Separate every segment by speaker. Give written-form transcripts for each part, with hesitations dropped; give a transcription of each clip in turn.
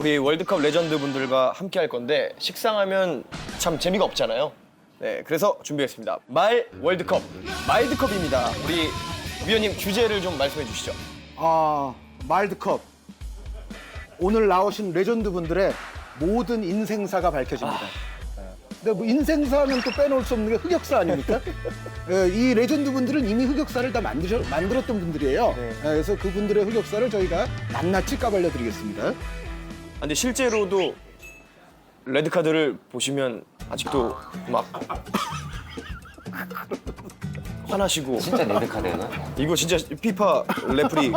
Speaker 1: 우리 월드컵 레전드 분들과 함께 할 건데 식상하면 참 재미가 없잖아요. 네, 그래서 준비했습니다. 말 월드컵, 마일드컵입니다. 우리 위원님 주제를 좀 말씀해 주시죠.
Speaker 2: 마일드컵. 오늘 나오신 레전드 분들의 모든 인생사가 밝혀집니다. 근데 뭐 인생사는 또 빼놓을 수 없는 게 흑역사 아닙니까? 예, 이 레전드 분들은 이미 흑역사를 다 만들었던 분들이에요.
Speaker 1: 네.
Speaker 2: 예, 그래서 그분들의 흑역사를 저희가 낱낱이 까발려 드리겠습니다.
Speaker 1: 근데 실제로도 레드카드를 보시면 아직도 막 화나시고
Speaker 3: 진짜 레드카드는?
Speaker 1: 이거 진짜 피파 레프리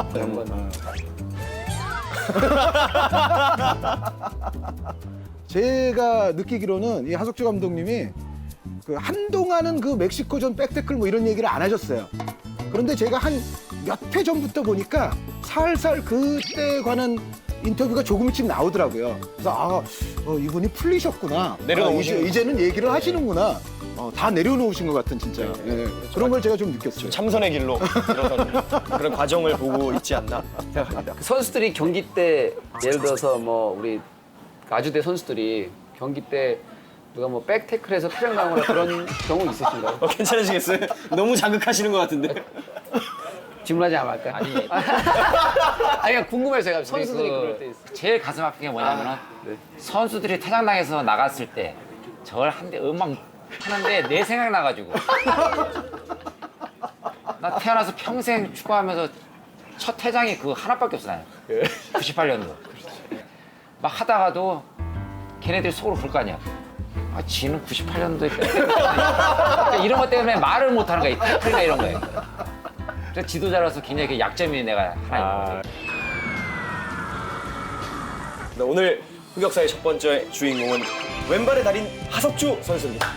Speaker 2: 제가 느끼기로는 이 하석주 감독님이 그 한동안은 그 멕시코전 백태클 뭐 이런 얘기를 안 하셨어요. 그런데 제가 한 몇 회 전부터 보니까 살살 그때 관한 인터뷰가 조금씩 나오더라고요. 그래서 이분이 풀리셨구나.
Speaker 1: 내려놓으신
Speaker 2: 이제는 얘기를 하시는구나. 다 내려놓으신 것 같은 진짜. 예. 그런 걸 제가 좀 느꼈어요.
Speaker 1: 참선의 길로 들어서는 그런 과정을 보고 있지 않나 생각합니다.
Speaker 4: 선수들이 경기 때 예를 들어서 뭐 우리 아주대 선수들이 경기 때 누가 뭐 백태클해서 퇴장당하거나 그런 경우 있으신가요?
Speaker 1: 괜찮으시겠어요? 너무 자극하시는 것 같은데.
Speaker 4: 질문하지 않을까요
Speaker 3: 아니.
Speaker 4: 아니 그냥 궁금해서 제가 선수들이 그럴 때 있어요.
Speaker 3: 제일 가슴 아픈 게 뭐냐면은 선수들이 퇴장당해서 나갔을 때 저걸 한 대 음악 하는데 내 생각 나가지고 나 태어나서 평생 축구하면서 첫 퇴장이 그 하나밖에 없어 나는. 98년도. 막 하다가도 걔네들이 속으로 그럴 거 아니야. 지는 98년도에 이런 것 때문에 말을 못하는 거야. 이 태클이나 이런 거에. 그래서 지도자로서 굉장히 그 약점이 내가 하나 있는 것 같아요.
Speaker 1: 네, 오늘 흑역사의 첫 번째 주인공은 왼발의 달인 하석주 선수입니다.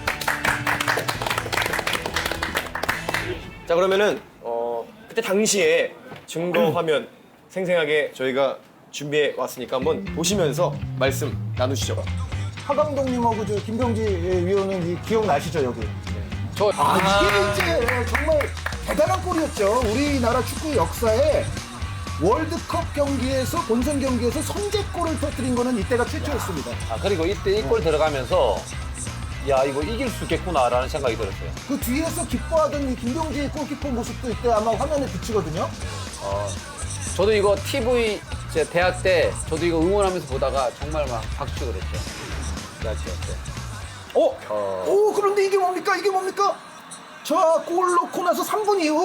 Speaker 1: 자, 그러면은 그때 당시에 증거 화면 생생하게 저희가 준비해 왔으니까 한번 보시면서 말씀 나누시죠.
Speaker 2: 하 감독님하고 저 김병지 위원은 이 기억나시죠 여기?
Speaker 4: 저
Speaker 2: 이게 이제 정말 대단한 골이었죠. 우리나라 축구 역사에 월드컵 경기에서 본선 경기에서 선제골을 터뜨린 거는 이때가 최초였습니다.
Speaker 5: 그리고 이때 이 골 들어가면서 야 이거 이길 수 있겠구나라는 생각이 들었어요.
Speaker 2: 그 뒤에서 기뻐하던 이 김병지 골키퍼 모습도 이때 아마 화면에 비치거든요.
Speaker 4: 저도 이거 TV 제 대학 때 저도 이거 응원하면서 보다가 정말 막 박수 그랬죠. 대학교 때.
Speaker 2: 오, 그런데 이게 뭡니까? 이게 뭡니까? 자, 골 넣고 나서 3분 이후.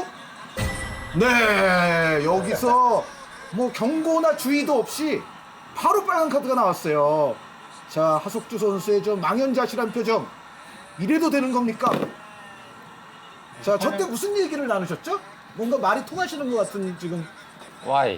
Speaker 2: 네, 여기서 뭐 경고나 주의도 없이 바로 빨간 카드가 나왔어요. 자, 하석주 선수의 저 망연자실한 표정. 이래도 되는 겁니까? 자, 저 때 무슨 얘기를 나누셨죠? 뭔가 말이 통하시는 것 같은 지금.
Speaker 3: 와이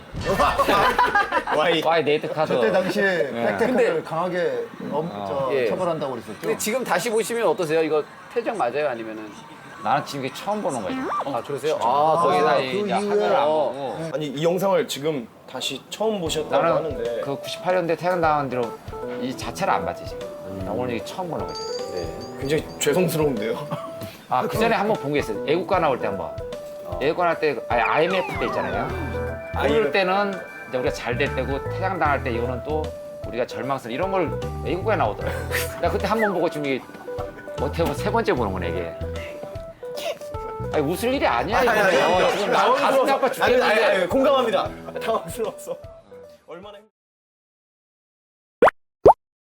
Speaker 3: 레드카드.
Speaker 6: 그때 당시에 백태클을
Speaker 4: 근데-
Speaker 6: 강하게
Speaker 4: 예.
Speaker 6: 처벌한다고 그랬었죠.
Speaker 4: 근데 지금 다시 보시면 어떠세요? 이거 퇴장 맞아요? 아니면은
Speaker 3: 나는 지금 이게 처음 보는 거야.
Speaker 4: 아 그러세요?
Speaker 3: 거기다
Speaker 2: 그
Speaker 3: 이제
Speaker 2: 이후에-
Speaker 3: 화면을 안 보고
Speaker 1: 아니, 이 영상을 지금 다시 처음 보셨다고
Speaker 3: 나는
Speaker 1: 하는데
Speaker 3: 그 98년대 퇴장당한 뒤로 이 자체를 안 봤지 지금. 나 오늘 이게 처음 보는 거지.
Speaker 1: 굉장히 죄송스러운데요.
Speaker 3: 그 전에 한 번 본 게 있어요. 애국가 나올 때 한 번. 애국가 나올 때 IMF 때 있잖아요. 그럴 때는 이제 우리가 잘 될 때고 퇴장당할 때 이거는 또 우리가 절망스러운 이런 걸 애국가에 나오더라고요. 나 그때 한 번 보고 지금 이게 어떻게 보면 세 번째 보는 거네 이게. 아니 웃을 일이 아니야 이거. 지금 나 가슴이 아파 죽겠는데.
Speaker 1: 공감합니다. 당황스러워서. 얼마나